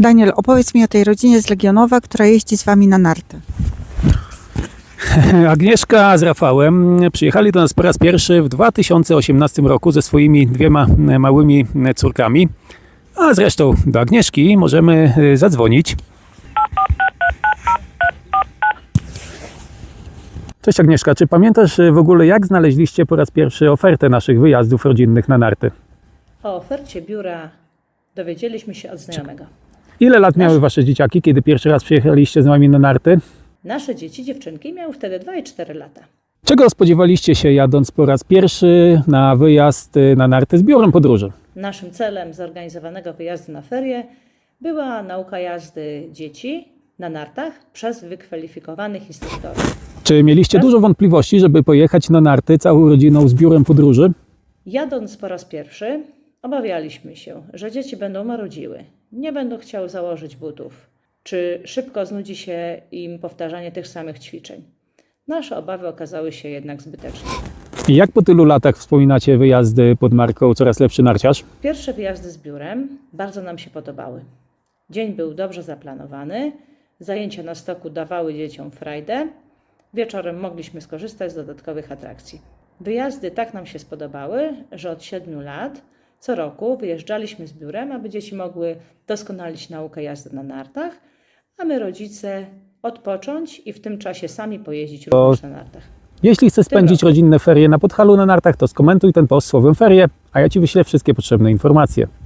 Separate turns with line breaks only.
Daniel, opowiedz mi o tej rodzinie z Legionowa, która jeździ z wami na narty.
Agnieszka z Rafałem przyjechali do nas po raz pierwszy w 2018 roku ze swoimi dwiema małymi córkami. A zresztą do Agnieszki możemy zadzwonić. Cześć Agnieszka, czy pamiętasz w ogóle, jak znaleźliście po raz pierwszy ofertę naszych wyjazdów rodzinnych na narty?
O ofercie biura dowiedzieliśmy się od znajomego.
Ile lat miały wasze dzieciaki, kiedy pierwszy raz przyjechaliście z nami na narty?
Nasze dzieci, dziewczynki, miały wtedy 2 i 4 lata.
Czego spodziewaliście się, jadąc po raz pierwszy na wyjazd na narty z biurem podróży?
Naszym celem zorganizowanego wyjazdu na ferie była nauka jazdy dzieci na nartach przez wykwalifikowanych instruktorów.
Czy mieliście dużo wątpliwości, żeby pojechać na narty całą rodziną z biurem podróży?
Jadąc po raz pierwszy, obawialiśmy się, że dzieci będą marudziły, nie będą chciały założyć butów, czy szybko znudzi się im powtarzanie tych samych ćwiczeń. Nasze obawy okazały się jednak zbyteczne.
I jak po tylu latach wspominacie wyjazdy pod marką Coraz Lepszy Narciarz?
Pierwsze wyjazdy z biurem bardzo nam się podobały. Dzień był dobrze zaplanowany, zajęcia na stoku dawały dzieciom frajdę, wieczorem mogliśmy skorzystać z dodatkowych atrakcji. Wyjazdy tak nam się spodobały, że od 7 lat co roku wyjeżdżaliśmy z biurem, aby dzieci mogły doskonalić naukę jazdy na nartach, a my rodzice odpocząć i w tym czasie sami pojeździć również na nartach.
Jeśli chcesz spędzić rodzinne ferie na Podhalu na nartach, to skomentuj ten post słowem ferie, a ja Ci wyślę wszystkie potrzebne informacje.